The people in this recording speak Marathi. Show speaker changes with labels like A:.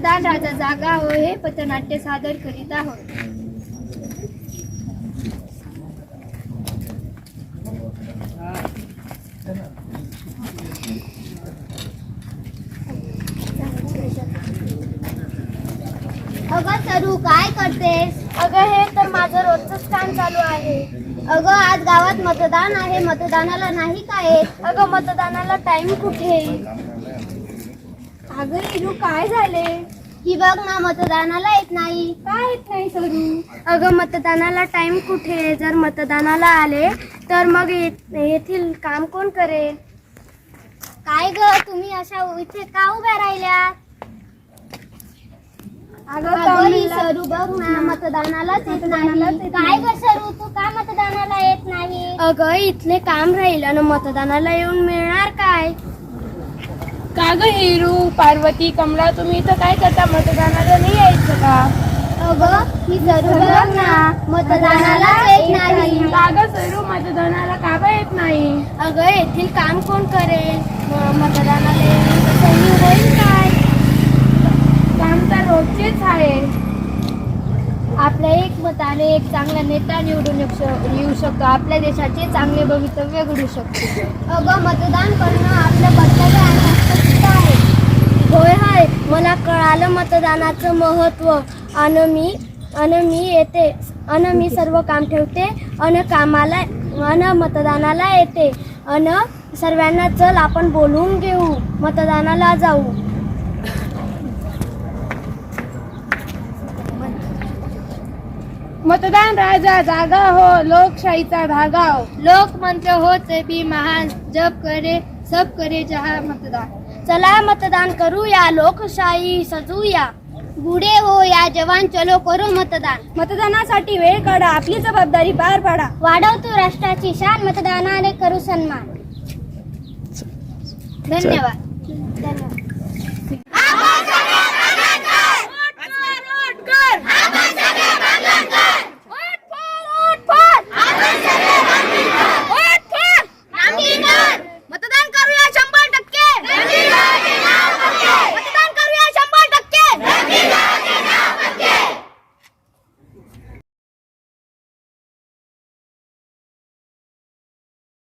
A: मतदान राजा जागा हो हे पथनाट्य सादर करीत आहोत.
B: अगं सरू, काय करतेस?
A: अगं हे तर माझं रोजच काम चालू आहे.
B: अगं आज गावात मतदान आहे, मतदानाला नाही काय?
A: अगं मतदानाला टाइम कुठे? अगं हिरू, काय झाले?
B: ही बघ ना, मतदानाला येत नाही.
A: काय येत नाही सरू? अगं मतदानाला टाइम कुठे? जर मतदानाला आले तर मग येथील काम कोण करेल?
B: काय ग, तुम्ही अशा इथे का उभ्या राहिल्या? अगं ही सरू बघ ना, मतदानालाच येत नाही. काय ग सरू, तू का मतदानाला येत नाही?
A: अगं इथले काम राहील आणि मतदानाला येऊन मिळणार काय?
C: का ग हिरू, पार्वती, कमला, तुम्ही इथं काय करता? मतदानाला नाही यायचं का?
B: अगं ही सरू बघ ना, मतदानालाच येत नाही.
C: का ग सरू, मतदानाला का बरं येत नाही?
A: अगं येथील काम कोण करेल? मतदानाला येऊन सही होईल काय?
C: काम तर रोजचेच आहे.
A: आपल्या एक मताने एक चांगला नेता निवडून येऊ शकतो. आपल्या देशाचे चांगले भवितव्य घडू शकतो.
B: अगं मतदान करणं आपलं कर्तव्य आणि हक्क आहे.
A: होय होय, मला कळालं मतदानाचं महत्त्व. आणि मी सर्व काम ठेवते आणि मतदानाला येते. आणि सर्वांना चल आपण बोलवून घेऊ, मतदानाला जाऊ.
C: मतदान राजा जागा हो, लोकशाहीचा धागा हो.
A: लोकमंत्र होते भी महान, जब करे सब करे जहा मतदान. चला मतदान करूया, लोकशाही सजूया.
B: बुडे हो या जवान, चलो करू मतदान.
A: मतदानासाठी वेळ काढा, आपली जबाबदारी पार पाडा.
B: वाढवतो राष्ट्राची शान, मतदानाने करू सन्मान.
A: धन्यवाद.